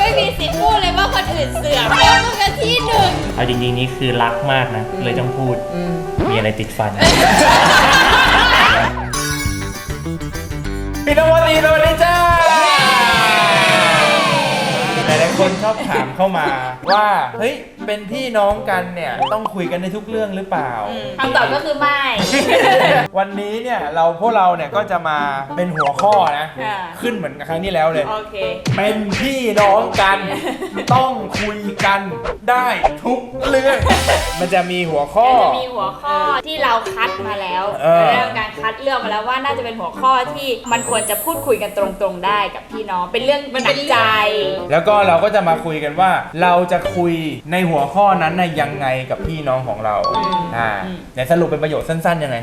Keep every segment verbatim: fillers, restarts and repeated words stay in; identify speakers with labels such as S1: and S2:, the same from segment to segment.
S1: ไม่มีสิทธิ์พูดเลยว่าคนอื่นเสือกเพราะมึงกันที่หนึ่ง
S2: เอาจริงๆนี่คือรักมากนะเลยต้องพูดมีอะไรติดฟันพี่นวัตตีสวัสดีจ้าหลายๆคนชอบถามเข้ามาว่าเฮ้ยเป็นพี่น้องกันเนี่ยต้องคุยกันในทุกเรื่องหรือเปล่า
S1: คำตอบก็คือไม่
S2: วันนี้เนี่ยเราพวกเราเนี่ยก็จะมาเป็นหัวข้อนะขึ้นเหมือนกับครั้งที่แล้วเลย
S1: โอเค
S2: เป็นพี่น้องกันต้องคุยกันได้ทุกเรื่องมันจะมีหัวข้อ
S1: จะมีหัวข้อที่เราคัดมาแล้วเรื่องการคัดเลือกมาแล้วว่าน่าจะเป็นหัวข้อที่มันควรจะพูดคุยกันตรงๆได้กับพี่น้องเป็นเรื่องหนักใจ
S2: แล้วก็เราก็จะมาคุยกันว่าเราจะคุยในหัวข้อนั้นนะยังไงกับพี่น้องของเราอ่าในสรุปเป็นประโยชน์สั้นๆยังไง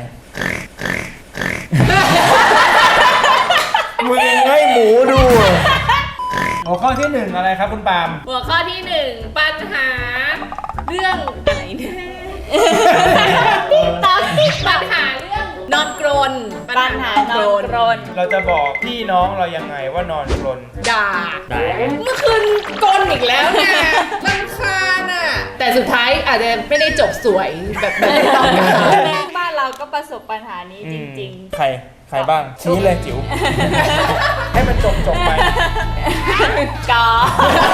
S2: มึงให้หมูดูหัวข้อที่หนึ่งอะไรครับคุณปาล์ม
S1: หัวข้อที่หนึ่งปัญหาเรื่องอะไรเนี่ยติ๊กต๊อกติ๊กปัญหาเรื่องนอนกรนปัญหานอนกรน
S2: เราจะบอกพี่น้องเรายังไงว่านอนกรน
S1: ด่าเมื่อคืนกรนอีกแล้วเนี่ยรำคาญอ่ะแต่สุดท้ายอาจจะไม่ได้จบสวยแบบแบบที่ต้องการบ้านเราก็ประสบปัญหานี้จริง
S2: ๆใครใครบ้างชี้เลยจิ๋วให้มันจบจบไป
S1: กอล์ฟ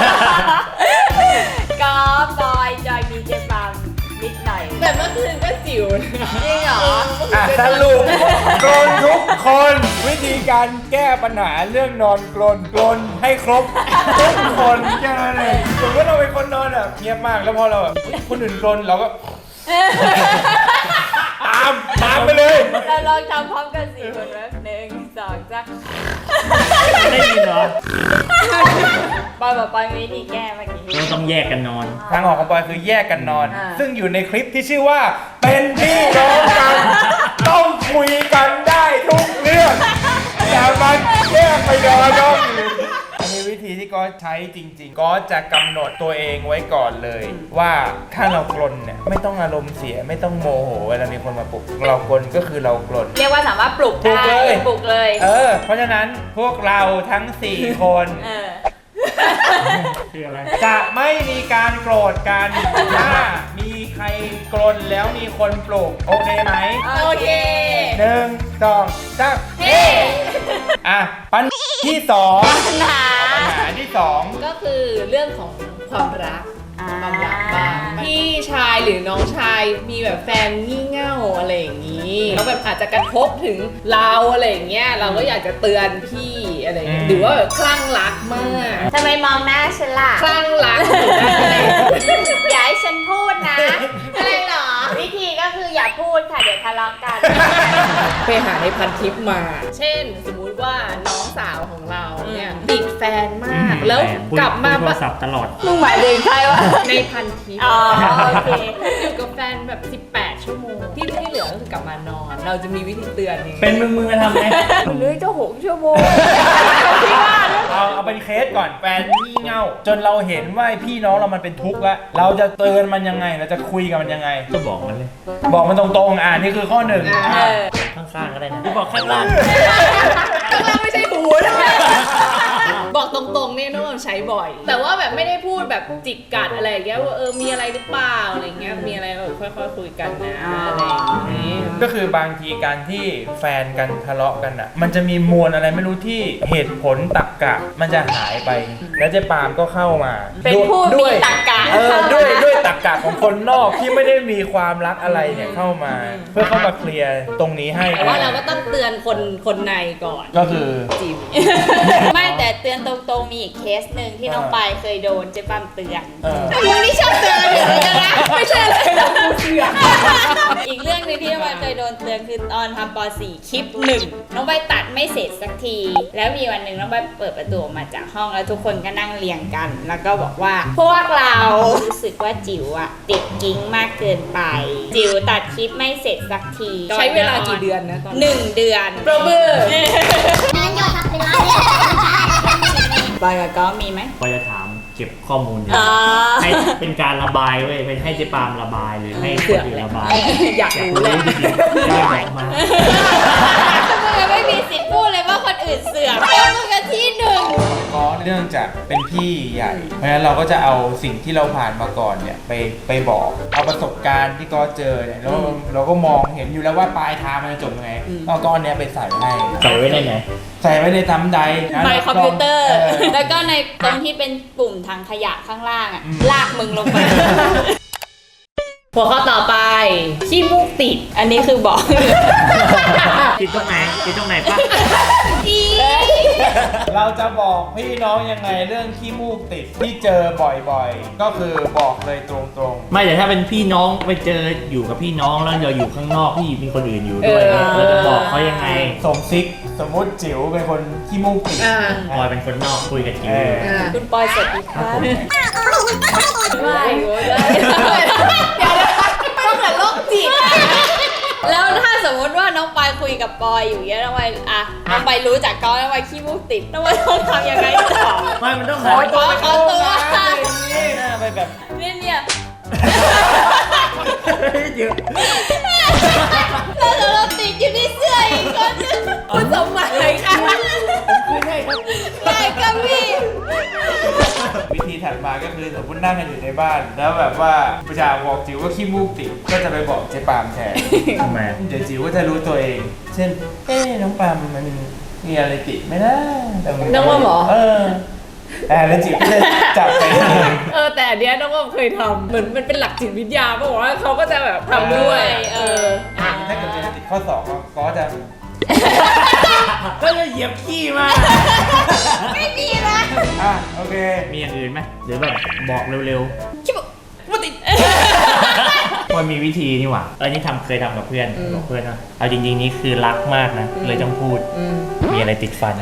S1: กอล์ฟบอยจอยมีเจฟังนิดหน่อยแต่เมื่อคืนก็จิ๋วจริงเหรอ
S2: สรุปกรนทุกคนวิธีการแก้ปัญหาเรื่องนอนกรนกรนให้ครบทุกคนแค่นั้นเองสมมติเราเป็นคนนอนแบบเงียบมากแล้วพอเราแบบคนอื่นกรนเราก็ตามตามไปเลย
S1: เราลองทำพร้อมกันสี่คนแล้วหนึ่งสองจ้ะ
S2: ได้ยินเหรอ
S1: ปอยบอกปอยวิธีแก้เมื่อกี้
S2: เราต้องแยกกันนอนทางออกของปอยคือแยกกันนอนซึ่งอยู่ในคลิปที่ชื่อว่าเป็นพี่น้องกันต้องคุยกันได้ทุกเรื่องอย่ามาแยกไปนอนน้องอันนี้วิธีที่ก็ใช้จริงๆก็จะกำหนดตัวเองไว้ก่อนเลยว่าถ้าเรากรนเนี่ยไม่ต้องอารมณ์เสียไม่ต้องโมโหเวลามีคนมาปลุกเรากรนก็คือเรากรน
S1: เรียกว่าสามารถปลุกได้ปลุกเลย
S2: เออเพราะฉะนั้นพวกเราทั้งสี่คนคืออะไรจะไม่มีการโกรธกันถ้ามีใครกรนแล้วมีคนปลุกโอเคไหม
S1: โอเค
S2: หนึ่งสองสามเฮ้อ่ะปัญหาที่สอง
S1: ปัญหา
S2: ปัญหาที่สอง
S3: ก็คือเรื่องของความรักความรักบ้างพี่ชายหรือน้องชายมีแบบแฟนงี่เง่าอะไรอย่างนี้แล้วแบบอาจจะกระทบถึงเราอะไรอย่างเงี้ยเราก็อยากจะเตือนพี่อะไรอย่างเงี้ยหรือว่าแบบคลั่งรักมาก
S1: ทำไมมองหน้าฉันล่ะ
S3: คลั่งรัก
S1: อย่าให้ฉันพูดนะอะไรหรอวิธีก็คืออย่าพูดค่ะเดี๋ยวทะเลาะกัน
S3: ไปหาในพันทิปมาเช่นสมมุติว่าน้องสาวของเราเนี่ยติดแฟนมากแล้วกลับมา
S2: โทรศัพท์ตลอด
S1: มึงหมายถึงใครวะ
S3: ในพันทิป
S1: อ๋อโอเค
S3: อยู่กับแฟนแบบสิบแปดชั่วโมงที่ที่เหลือก็คือกลับมานอนเราจะมีวิธีเตือนยังไง
S2: เป็นมึงมึงจะทำไง
S1: เลื่อยจะหกชั่วโมง
S2: เอาเอาเป็นเคสก่อนแฟนงี่เง่าจนเราเห็นว่าพี่น้องเรามันเป็นทุกข์แล้วเราจะเตือนมันยังไงเราจะคุยกับมันยังไงก็บอกมันเลยบอกมันตรงๆอ่านี่คือข้อหนึ่งข้างๆก็ได้นะบอกข้างล่าง
S3: ข้างล่างไม่ใช่หูนะบอกตรงๆเนี่ยน้องใช้บ่อยแต่ว่าแบบไม่ได้พูดแบบจิกกัดอะไรอย่างเงี้ยว่าเออมีอะไรหรือเปล่าอะไรเงี้ยมีอะไรเออค่อยๆคุยกันนะอะไรอย่างงี้
S2: ก็คือบางทีการที่แฟนกันทะเลาะกันอ่ะมันจะมีมวลอะไรไม่รู้ที่เหตุผลตรรกะมันจะหายไปแล้วเจ๊ปาล์มก็เข้ามา
S1: เป็นผู้มีตรรกะ
S2: เออด้วยด้วยตรรกะของคนนอกที่ไม่ได้มีความรักอะไรเนี่ยเข้ามาเพื่อเข้ามาเคลียร์ตรงนี้ให้
S3: แต่ว่าเราก็ต้องเตือนคนคนในก่อน
S2: ก็คือ
S3: จิม
S1: ไม่แต่เตือนตรงๆมีอีกเคสหนึ่งที่น้องปายเคยโดนเจ๊ปาล์มเตือนมึงนี่ชอบเตือนอยู่เลยนะไม่ใช่อะไรนะกูเตือนอีกเรื่องนึงที่น้องปายเคยโดนเตือนคือตอนทำป.สี่คลิปหนึ่งน้องปายตัดไม่เสร็จสักทีแล้วมีวันหนึ่งน้องปายเปิดประตูออกมาจากห้องแล้วทุกคนก็นั่งเรียงกันแล้วก็บอกว่าพวกเรารู้สึกว่าจิ๋วอะติดกิ๊งมากเกินไปจิ๋วตัดคลิปไม่เสร็จสักที
S3: ใช้เวลากี่เดือนนะตอน
S1: หนึ่งเดือน
S3: โปรเบอร์
S1: นั่นยอดทับเวลาบอยกับก็มีไหม
S2: บอยจะถามเก็บข้อมูลอยู่ให้เป็นการระบายเว้ยเป็นให้เจ๊ปาล์มระบายหรือให้คนอื่นระบาย
S3: อยากรู้เลย
S2: ได้บอกมา
S1: ทำไมไม่มีสิทธิ์พูดเลยว่าคนอื่นปิดเสือกแล้วมึงกันที่หนึ่ง
S2: ก็เนื่องจากเป็นพี่ใหญ่ เพราะฉะนั้นเราก็จะเอาสิ่งที่เราผ่านมาก่อนเนี่ยไปไปบอก เอาประสบการณ์ที่ก็เจอเนี่ยแล้วเราก็มองเห็นอยู่แล้วว่าปลายทางมันจะจบยังไงเอาก้อนเนี้ยไปใส่ให้
S4: ใส่ไว้ในไหน
S2: ใส่ไว้ในทำใด
S1: ใบคอมพิวเตอร์
S2: เออ
S1: แล้วก็ในตรงที่เป็นปุ่มทางขยะข้างล่างอ่ะ ลากมึงลงไป
S3: หัวข้อต่อไปขี้มูกติด
S1: อันนี้คือบอก
S4: ติดตรงไหนติดตรงไหนปะ
S2: เราจะบอกพี่น้องยังไงเรื่องขี้มูกติดที่เจอบ่อยๆ ก็คือบอกเลยตรงๆ
S4: ไม่แต่ถ้าเป็นพี่น้องไปเจออยู่กับพี่น้องแล้วเราอยู่ข้างนอกพี่มีคนอื่นอยู่ด้วย
S3: เออ
S4: เราจะบอกเขายังไง
S2: สมซิกสมมติจิ๋วเป็นคนขี้มูกติด
S3: อ่า
S4: บอยเป็นคนนอกคุยกับจิ๋ว
S2: เออ
S3: อ่า
S1: คุณปอยสวัสดีค่ะไม่โว้ย
S3: เดี๋ยวต้องเหมือนโรคจิต
S1: แล้วถ้าสมมติว่าน้องปอยคุยกับปอยอยู่เงี้ยน้องปอยอ่ะน้องปอยรู้จักเขาน้องปอยขี้มูกติดน้องปอยต้องทำยังไงต่อ
S4: ไม่มันต้อง
S1: ขอตัวขอตัว
S2: นี่นะไปแบบ
S1: เนี่ยเนี่ย
S4: เยอะ
S1: แล้วเราติดอยู่ที่เสื้ออีกคนนึงคุณสมหมายค่ะ
S4: คุยได้ครับ
S1: ได้กับพี่
S2: วิธีถัดมาก็คือสมมตินั่งกันอยู่ในบ้าน แล้วแบบว่าประชาบอกจิ๋วว่าขี้มูกติดก็จะไปบอกเจ๊ปามแทน
S4: ทำไม
S2: เดี๋ยวจิ๋วก็จะรู้ตัวเอง เช่นเอ๊ะน้องปามมันมีอะไรติดไหมนะแต่มั
S3: น้องว่าหมอ
S2: เออแต่แล้วจิ๋วก็จะจับไปเอง
S3: เออแต่อันเนี้ยน้องว่าเคยทำเหมือนมันเป็นหลักจิตวิทยาป่ะว่าเขาก็จะแบบทำด้วย
S1: เออ
S2: ถ้าเกิดเป็นติดข้อสองก็จะ
S4: ก็จะเหยียบขี้มา
S1: ไม่มีนะ
S2: อ่ะโอเค
S4: มีอย่างอื่นไหมหรือแบบบอกเร็ว
S1: คิดว่าว่าติด
S4: ๆมันมีวิธีนี่หว่าอันนี้ทำเคยทำกับเพื่อนบอกเพื่อนว่าเอาจริงๆนี่คือรักมากนะเลยต้องพูด
S3: อืม
S4: มีอะไรติดฟัน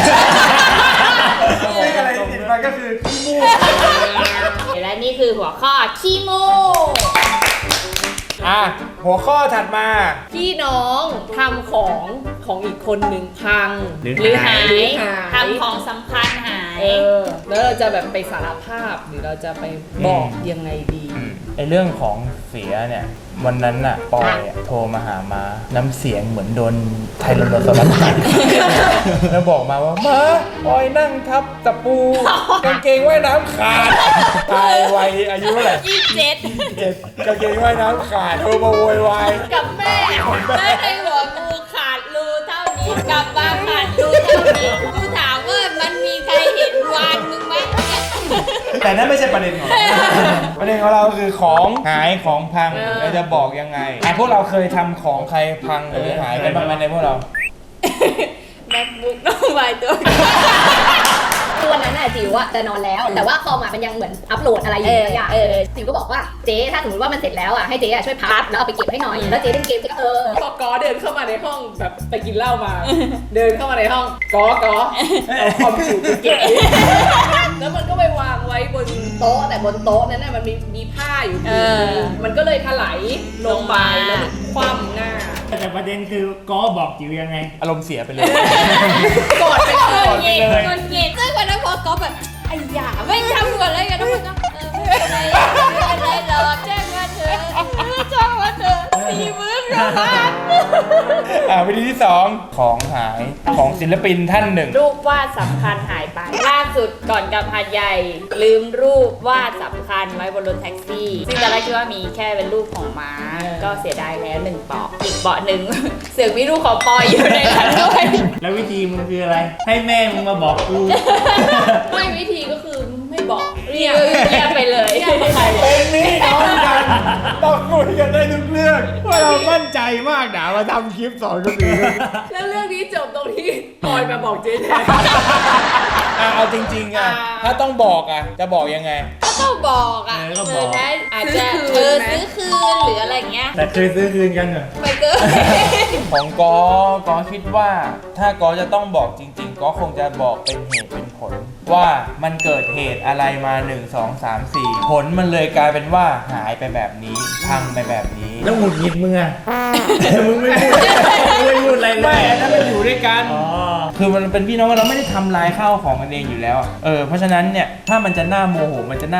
S2: ซึ่งอะไรที่ติดมาก็คือขี้มูก
S1: และนี่คือหัวข้อขี้มู
S2: อ่ะหัวข้อถัดมา
S3: พี่น้องทำของของอีกคนหนึ่งพัง
S4: หรือ
S1: หรือหาย
S3: หรือหาย
S1: ทำของสำคัญหาย
S3: เออแล้วเราจะแบบไปสารภาพหรือเราจะไปบอกยังไงดี
S2: ไอเรื่องของเสียเนี่ยวันนั้นน่ะปอยอะโทรมาหามาน้ำเสียงเหมือนโดนไทรโนซอรัสกัด แล้วบอกมาว่ามาปอยนั่งทับตะปูกางเกงว่ายน้ำขาดตายวัยอายุเท่าไหร่
S1: ยี่สิบเจ็ด
S2: เจ็ดกางเกงว่ายน้ำขาดโทรมาโวยวาย
S1: กับแม่แม่ในหัวกูขาดรูเท่านี้กลับมาขาดรูเท่านี้กูถามว่ามันมีใครเห็นวานมึงไหม
S2: แต่นั่นไม่ใช่ประเด็นของเรา ประเด็นของเราคือของหายของพัง
S3: เออ
S2: เราจะบอกยังไงอ่ะพวกเราเคยทำของใครพังหรือหายกันบ้างไหมในพวกเรา
S1: แม็กบุ๊กน้องวายตัว
S5: คือวันนั้นน่ะจิ๋วอะจะนอนแล้ว แต่ว่าคอมอะมันยังเหมือนอัปโหลดอะไรอยู่บางอย่าง
S1: เออเออ
S5: จิ๋วก็บอกว่าเจ๊ถ้าสมมติว่ามันเสร็จแล้วอะให้เจ๊อะช่วยพับแล้วเอาไปเก็บให้หน่อยแล้วเจ๊เล่นเกมเจ๊ก็เออ
S3: พอกอเดินเข้ามาในห้องแบบไปกินเหล้ามา เดินเข้ามาในห้องกอกอเอาคอมถูไปเก็บแล้วมันก็ไปวางไว้บนโต๊ะแต่บนโต๊ะนั้นน่ะมันมีมีผ้าอยู่
S1: เออ
S3: มันก็เลยถลายลงไปแล้วมันคว่ำหน้า
S4: แต่ประเด็นคือก็บอกจิ๋วยังไง
S2: อารมณ์เสียไปเลย
S3: กอดไป
S1: เอ
S3: เล
S1: อย เย็นมันเย็นซึ่งวันนั้นพอก๊อฟแบบไอ้หยาไม่ทำก่อนเลยกันทุกคนก็เออไม่เป็นไรไม่เป็นไรหรอกแจ้งมาเถอะแจ้งมาเถอะสี่หมื่นกว่าบาท
S2: อ่าวิธีที่สองของหายของศิลปินท่านหนึ่ง
S1: รูปวาดสำคัญหายไป ล่าสุดก่อนกลับหาดใหญ่ ลืมรูปวาดสำคัญไว้บนรถแท็กซี่ ซึ่งตอนแรกคิดว่ามีแค่เป็นรูปของม้า ก็เสียดายแล้วหนึ่งเปาะอีกเปาะหนึ่ง เสือกมีรูปของปอยอยู่ในนั้นด้วย
S4: แล้ววิธีมึงคืออะไร ให้แม่มึงมาบอกกู
S3: ไม่วิธีก็คือไม่บอก
S1: เรียบเรียบไปเลย
S3: เรียกใคร
S2: เป็นนี่น้องกันต้องคุยกันได้ทุกเรื่องว่าเรามั่นใจมากนะมาทำคลิปสอนคนอื่น
S3: แล้วเรื่องนี้จบตรงที่ปอยมาบอกเจ๊แทน
S2: อ่ะเอาจริงๆอ่ะ
S3: อ่า
S2: ถ้าต้องบอกอ่ะจะบอกยังไง
S1: ก็ต้องบอกอ่ะ
S4: เออก็บอก
S1: เนะอาจจะ
S3: ซื้อคืน
S1: เออ
S3: นะ
S1: ซื้อคืนหรืออะไรเงี้ย
S4: แต่เคยซื้อคืนกันเหรอ
S1: ไปเกิน
S2: ของกอกอคิดว่า ถ้ากอจะต้องบอกจริงๆกอคงจะบอกเป็นเหตุเป็นผล ว่ามันเกิดเหตุอะไรมาหนึ่ง สอง สาม สี่ผลมันเลยกลายเป็นว่าหายไปแบบนี้พังไปแบบนี้
S4: แล้วหงุดหงิดมึงอะ มึงไม่พูดมึงไม่พูดอะไรเล
S2: ไม่
S4: ย
S2: อันนั้นมันอยู่ด้วยกัน
S4: อ๋อ
S2: คือมันเป็นพี่น้องกันเราไม่ได้ทำลายข้าวของกันเองอยู่แล้วอะเออเพราะฉะนั้นเนี่ยถ้ามันจะหน้าโมโหมันจะหน้า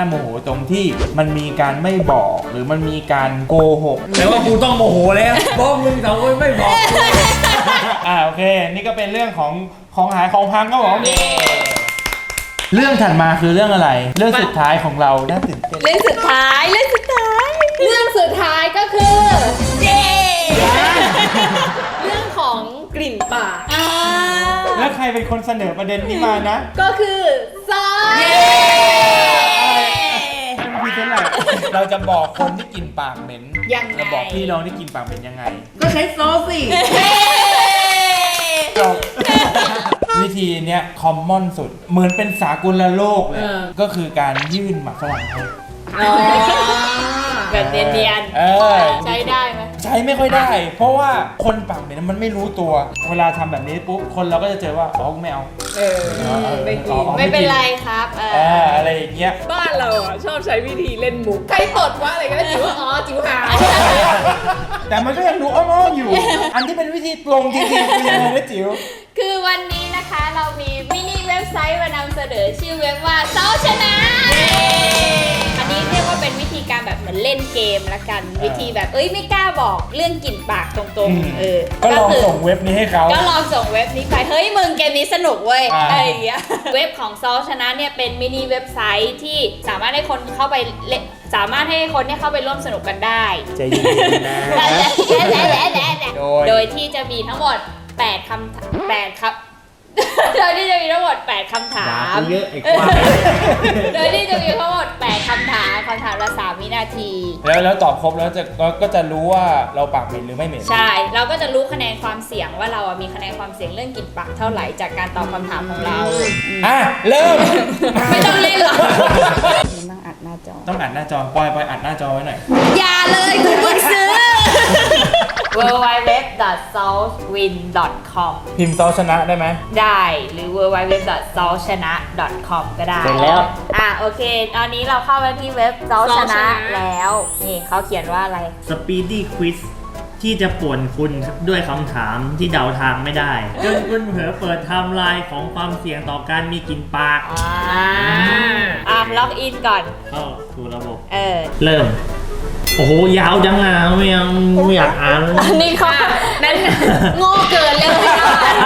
S2: โมโหตรงที่มันมีการไม่บอกหรือมันมีการโกหก
S4: แต่ว่ากูต้องโมโหแล้วเพราะมึงสองคนไม่บอก
S2: อ่าโอเค นี่ก็เป็นเรื่องของของหายของพังครับผมเรื่องถัดมาคือเรื่องอะไร เรื่องสุดท้ายของเราน่าตื่นเต้น
S1: เรื่องสุดท้ายเรื่องสุดท้าย
S3: เรื่องสุดท้ายก็คือ
S1: เย้
S3: เรื่องของกลิ่นปาก
S1: อ่า
S2: แล้วใครเป็นคนเสนอประเด็นนี้มานะ
S3: ก็คือซอส
S2: ท่านพี่เท่าไหร่เราจะบอกคนที่กินปากเหม็น
S1: ยังไง
S2: เราบอกพี่น้องที่กินปากเหม็นยังไง
S4: ก็ใช้ซอสสิ
S2: จบ วิธีเนี้ยคอมมอนสุด เหมือนเป็นสากลโลกเลย ก็คือการยื่นหมากฝรั่งให้
S3: อ๋อ
S1: แบบเนียน
S2: เออ
S1: ๆใช้ได้ไหม
S2: ใช้ไม่ค่อยได้ เพราะว่าคนปากเหม็นมันไม่รู้ตัว เวลาทำแบบนี้ปุ๊บคนเราก็จะเจอว่าอ๋อไม่เอา
S3: เออไม่กิน
S2: อ๋อ
S1: ไม่เป็นไรครับเอ
S2: เอ
S1: อ
S2: ออะไรอย่างเงี้ย
S3: บ้านเราอ่ะชอบใช้วิธีเล่นมุกใครตดว่าอะไรก็ได้จิ๋วว่าอ๋อจิ๋วหา
S2: แต่มันก็ยังดูอ้อมๆอยู่ อันที่เป็นวิธีตรงจริงๆคือยังไงนะจิ๋ว
S1: คือวันนี้นะคะเรามีมินิเว็บไซต์มานำเสนอชื่อเว็บว่าเซาชนะ อันนี้เรียกว่าเป็นวิธีการแบบเหมือนเล่นเกมละกัน วิธีแบบเอ้ยไม่กล้าบอกเรื่องกลิ่นปากตรงๆเออ
S2: ก็ลอง
S1: คือ
S2: ส่งเว็บนี้ให้เขา
S1: ก็ลองส่งเว็บนี้ไปเฮ้ยมึงเกมนี้สนุกเว้ย
S2: อ่า
S1: อะไรอย่างเงี้ย เว็บของซอชนะเนี่ยเป็นมินิเว็บไซต์ที่สามารถให้คนเข้าไปเล่นสามารถให้คนเนี่ยเข้าไปร่วมสนุกกันได้
S2: ใจเย็นๆนะ โดย
S1: โดยที่จะมีทั้งหมดแปดคำแปดครับ โดยที่จะมีทั้งหมดแปดคำถาม
S4: เยอะไอ้ควาย
S1: โดยที่จะมีทั้งหมดแปดคำถามคำถามละสามวินาที
S2: แล้วแล้วตอบครบแล้วจะก็ก็จะรู้ว่าเราปากเหม็นหรือไม่เหม็น
S1: ใช่ เราก็จะรู้คะแนนความเสี่ยงว่าเราอะมีคะแนนความเสี่ยงเรื่องกลิ่นปากเท่าไหร่จากการตอบคำถามของเรา
S2: อ่ะ เริ่ม
S1: ไม่ต้องเล่นหรอกต้องอัดหน้าจอ
S2: ต้องอัดหน้าจอปล่อยปล่อยอัดหน้าจอไว้หน่อย
S1: อย่าเลยคุณเพิ่งซื้อ ดับเบิลยู ดับเบิลยู ดับเบิลยู ดอท ซอลวิน ดอท คอม
S2: พิมพ์ซอชนะได้ไหม
S1: ได้หรือ ดับเบิลยู ดับเบิลยู ดับเบิลยู ดอท ซอลชนะ ดอท คอม ก็ได้
S4: เสร็จแล้ว
S1: อ่ะโอเค ตอนนี้เราเข้าไปที่เว็บซอลชนะแล้ว นี่เขาเขียนว่าอะไร
S4: สปีดดี้ควิสที่จะป่วนคุณด้วยคำถามที่เดาทางไม่ได้ จนคุณเผลอเปิดไทม์ไลน์ของความเสี่ยงต่อการมีกลิ่นปาก
S1: อ่าอ่ะล็อกอินก่อน
S4: เข้าสู่ระบบ
S1: เออ
S4: เริ่ม โอ้โห ยาวจังอ่ะไม่เอาไม่อยากอ่าน
S1: อันนี้เขานั่นโง่เกินเลยไม่อ่าน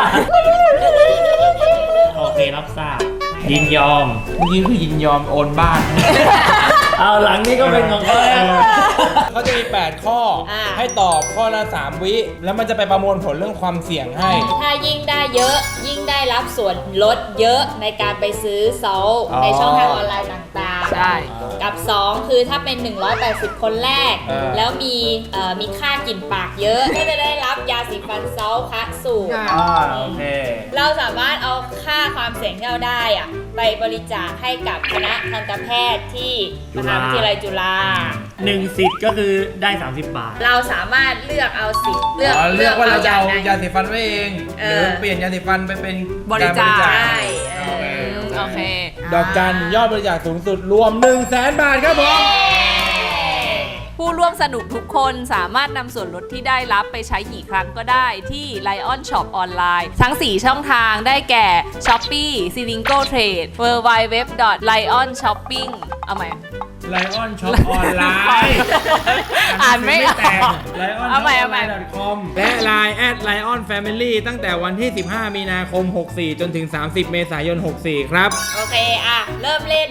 S4: โอเครับทราบ ยินยอม
S2: เมื่อกี้คือยินยอมโอนบ้าน
S4: เอาหลังนี้ก็เป็นของเขาแล้ว
S2: เขาจะมี แปด ข้อ ให้ตอบข้อละ สาม วิ แล้วมันจะไปประมวลผลเรื่องความเสี่ยงให้
S1: ถ้ายิ่งได้เยอะ ยิ่งได้รับส่วนลดเยอะในการไปซื้อซอล
S2: อ๋อ
S1: ในช่องทางออนไลน์ต่างๆ
S3: ใช่
S1: กับ สอง คือถ้าเป็น หนึ่งร้อยแปดสิบ คนแรก
S2: เออ
S1: แล้วมีเอ่อมีค่ากลิ่นปากเยอะ ก็จะได้รับยาสีฟันซอลคัสสูตร
S2: อ่าโอเค
S1: เราสามารถเอาค่าความเสี่ยงที่เราได้อะไปบริจาคให้กับคณะทันตแพทย์ที่มหาวิทยาลัยจุฬา
S4: หนึ่งสิทธิ์ก็คือได้ สามสิบบาท
S1: เราสามารถเลือกเอาสิทธิ์เลือก
S2: อ๋อเลือกว่าเราจะเอา
S1: ไหน
S2: ยาสีฟันไว้เอง
S1: เอ
S2: ห
S1: อ
S2: รือเปลี่ยนยาสีฟันไปเป็น
S3: บริจาค
S2: ก
S1: ใช่เออ
S3: โอเค
S2: ดอกจันยอดบริจาคสูงสุดรวม หนึ่งแสน บาทครับผม
S6: ผู้ร่วมสนุกทุกคนสามารถนำส่วนลดที่ได้รับไปใช้กี่ครั้งก็ได้ที่ Lion Shop ออนไลน์ ทั้ง สี่ ช่องทางได้แก่ Shopee, Silingo Trade, ดับเบิลยู ดับเบิลยู ดับเบิลยู ดอท ไลออน ช็อปปิ้ง เอาใหม่
S2: ไลออนช็อปออนไลน์
S6: อ่านไม่ออก
S2: ไลออน
S6: เอาใหม่เอาใหม่
S2: คอมและ ไลน์ แอด ไลออน แฟมิลี่ ตั้งแต่วันที่ สิบห้า มีนาคม หกสี่ จนถึง สามสิบ เมษายน หกสี่ ครับ
S1: โอเค อ่ะ เริ่มเล่น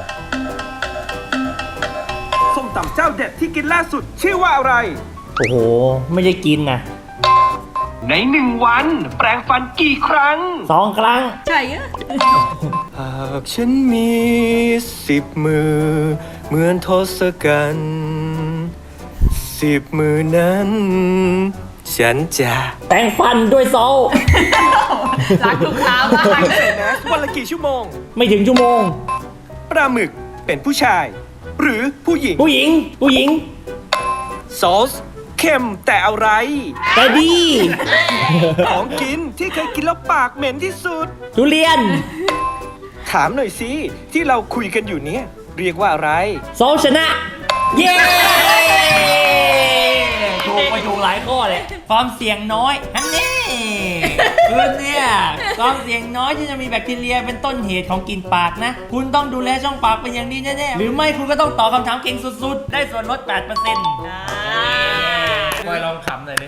S7: ส้มตำเจ้าเด็ดที่กินล่าสุดชื่อว่าอะไร
S4: โอ้โห ไม่ได้กินนะ
S7: ในหนึ่งวันแปรงฟันกี่ครั้ง
S4: สองครั้ง
S7: หากฉันมีสิบมือ เหมือนทศกัณฐ์สิบมือนั้น ฉันจะ
S4: แปรงฟันด้วยโซล
S6: รักทุกเช้ามาก
S7: ใส่แมสวันละกี่ชั่วโมง
S4: ไม่ถึงชั่วโมง
S7: ปลาหมึกเป็นผู้ชาย หรือผู้หญิง
S4: ผู้หญิง ผู้หญิง
S7: ซอสเค็มแต่อะไร
S4: แต่ดี
S7: ของกินที่เคยกินแล้วปากเหม็นที่สุด
S4: ทุเรียน
S7: ถามหน่อยสิ ที่เราคุยกันอยู่เนี่ย เรียกว่าอะไร
S4: โซลชนะ เย้ถูกไปถูกหลายข้อเลย ความเสี่ยงน้อยนั่นนี่คุณเนี่ยความเสี่ยงน้อยที่จะมีแบคทีเรียเป็นต้นเหตุของกลิ่นปากนะ คุณต้องดูแลช่องปากเป็นอย่างดีแน่ๆหรือไม่คุณก็ต้องตอบคำถามเก่งสุดๆ ได้ส่วนลด แปดเปอร์เซ็นต์
S2: บอยลองขำหน่อยดิ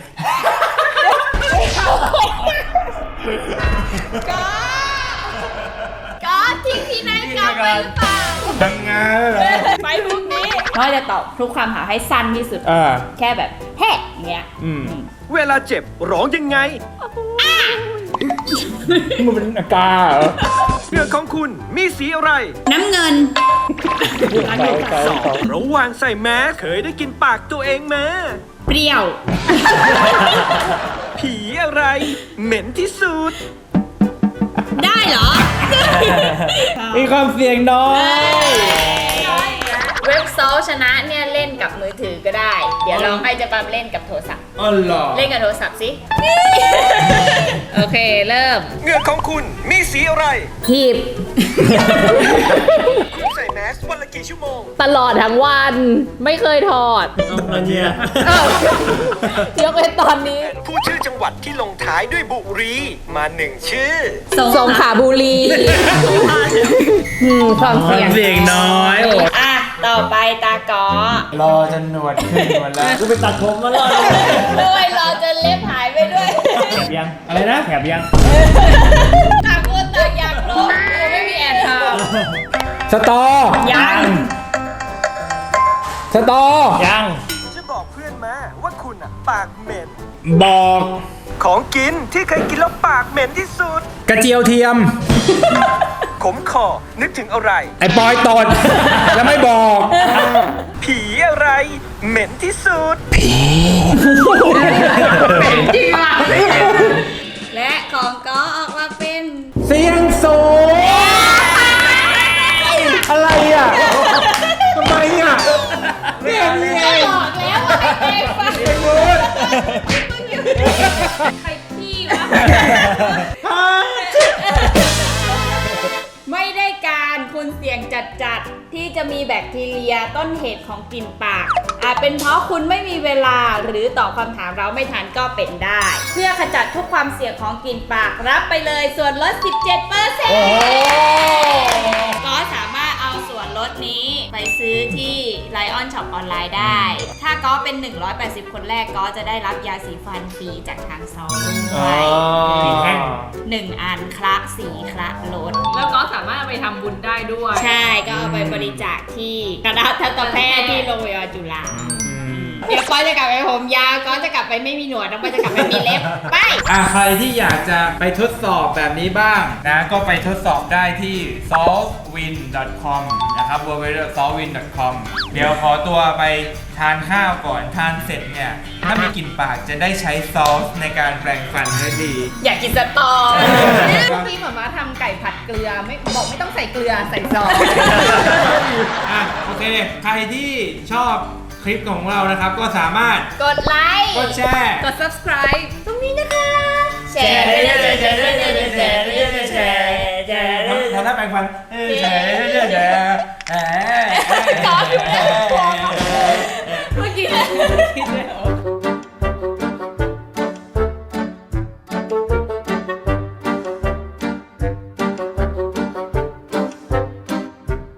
S1: ก็ก็ทิ้งที่ไหนกลับไปหรือเปล่า
S2: ทำงานเหรอ
S1: ไปพรุ่งนี้ก็จะตอบทุกคำถามให้สั้นที่สุด
S2: อ่า
S1: แค่แบบแฮ่อย่างเงี้ย
S2: อืม
S7: เวลาเจ็บร้องยังไง
S2: มันเป็นอาการเหรอ
S7: เหงือกของคุณมีสีอะไร
S1: น้ำเงิน
S7: ระหว่างใส่แมสเคยได้กินปากตัวเองไหม
S1: เปรี้ยว
S7: ผีอะไร เหม็นที่สุด
S1: ได้เหรอ
S2: มีความเสี่ยงน้อย
S1: เว็บซอลชนะเนี่ยเล่นกับมือถือก็ได้ เดี๋ยวลองให้เจะปั๊มเล่นกับโทรศัพท์
S2: อ๋อเหรอ
S1: เล่นกับโทรศัพท์สิ
S3: โอเค เริ่ม
S7: เหงือกของคุณมีสีอะไร
S5: หีบ
S7: คุณใส่แมสวันละกี่ชั่วโมง
S3: ตลอดทั้งวัน ไม่เคยถอด
S4: อันเนี้ย
S3: ยกเว้นตอนนี้
S7: ผู้ชื่อจังหวัดที่ลงท้ายด้วยบุรีมาหนึ่งชื่อ
S3: สงขลาบุรีอืมความ
S2: ควา
S3: เสี่ย
S2: ม
S3: ง
S2: เสี่ยงน้อยโอ้
S1: อ่ะ ต่อไปตากอ
S2: รอจนหนวดขึ้นหมดแล้ว
S4: กูไปตัดผมมาแล้ว
S1: ด้วยรอจนเล็บหายไปด้วย
S4: แถบยัง อะไรนะแถบยัง
S1: ต่างคนต่างอยากรู้กูไม่มีแอบท
S2: สตอ
S1: ำยัง
S2: สตอ
S4: ยัง
S7: จะบอกเพื่อนมาว่าคุณอ่ะ ปากเหม็น
S2: บอก
S7: ของกินที่เคยกินแล้วปากเหม็นที่สุด
S2: กระเจียวเทียม
S7: ขมคอนึกถึงอะไร
S2: ไอ้ปอยตด แล้วไม่บอก
S7: ผีอะไร เหม็นที่สุด
S1: และของกอออกมาเป็น
S2: เสียงสูง อะไรอ่ะ ทำไมอ่ะเนี่ยนี่ไง
S1: บอกแล้วว่าให้เองฟังใครพี่วะ ไม่ได้การคุณเสี่ยงจัดๆ ที่จะมีแบคทีเรียต้นเหตุของกลิ่นปาก อาจเป็นเพราะคุณไม่มีเวลาหรือตอบคำถามเราไม่ทันก็เป็นได้ เพื่อขจัดทุกความเสี่ยงของกลิ่นปากรับไปเลยส่วนลด สิบเจ็ดเปอร์เซ็นต์ ก็สามารถเอาส่วนลดนี้ไปซื้อที่ Lion Shop ออนไลน์ได้ ถ้าก็เป็น หนึ่งร้อยแปดสิบ คนแรกก็จะได้รับยาสีฟันฟรีจากทางซองด้วย
S4: กี่แท่ง
S1: หนึ่งอันคละสีคละลด
S3: แล้วก็สามารถเอาไปทำบุญได้ด้วย
S1: ใช่ก็เอาไปบริจาคที่คณะทันตแพทย์ที่โรงพยาบาลจุฬาเดี๋ยวก้อยจะกลับไปผมยาวก้อยจะกลับไปไม่มีหนวดน้องก้อยจะกลับไปมีเล็บ ไป
S2: อ่ะใครที่อยากจะไปทดสอบแบบนี้บ้างนะ ก็ไปทดสอบได้ที่ ซอลต์วิน ดอท คอม นะครับ ดับเบิลยู ดับเบิลยู ดับเบิลยู ดอท ซอลต์วิน ดอท คอม เดี๋ยวขอตัวไปทานข้าวก่อนทานเสร็จเนี่ย ถ้ามีกลิ่นปากจะได้ใช้ซอสในการแปรงฟันได้ดี
S1: อยากกินสตอ
S3: เนี่ยเมื่อกี้หมาม่าทำไก่ผัดเกลือไม่บอกไม่ต้องใส่เกลือใส่ซอส
S2: อ่ะ โอเค ใครที่ชอบคลิปของเรานะครับ ก็สามารถ
S1: กดไลค์
S2: กดแชร์
S3: กด subscribe
S1: ตรงนี้นะคะ แชร์ด้วยนะแชร์ด้วยนะแชร์ด้วยนะแชร์แชร์ด้วย
S2: ทำหน้าแปรงฟันเอ้ยแชร์แชร์แชร์แชร์
S1: เมื่อกี้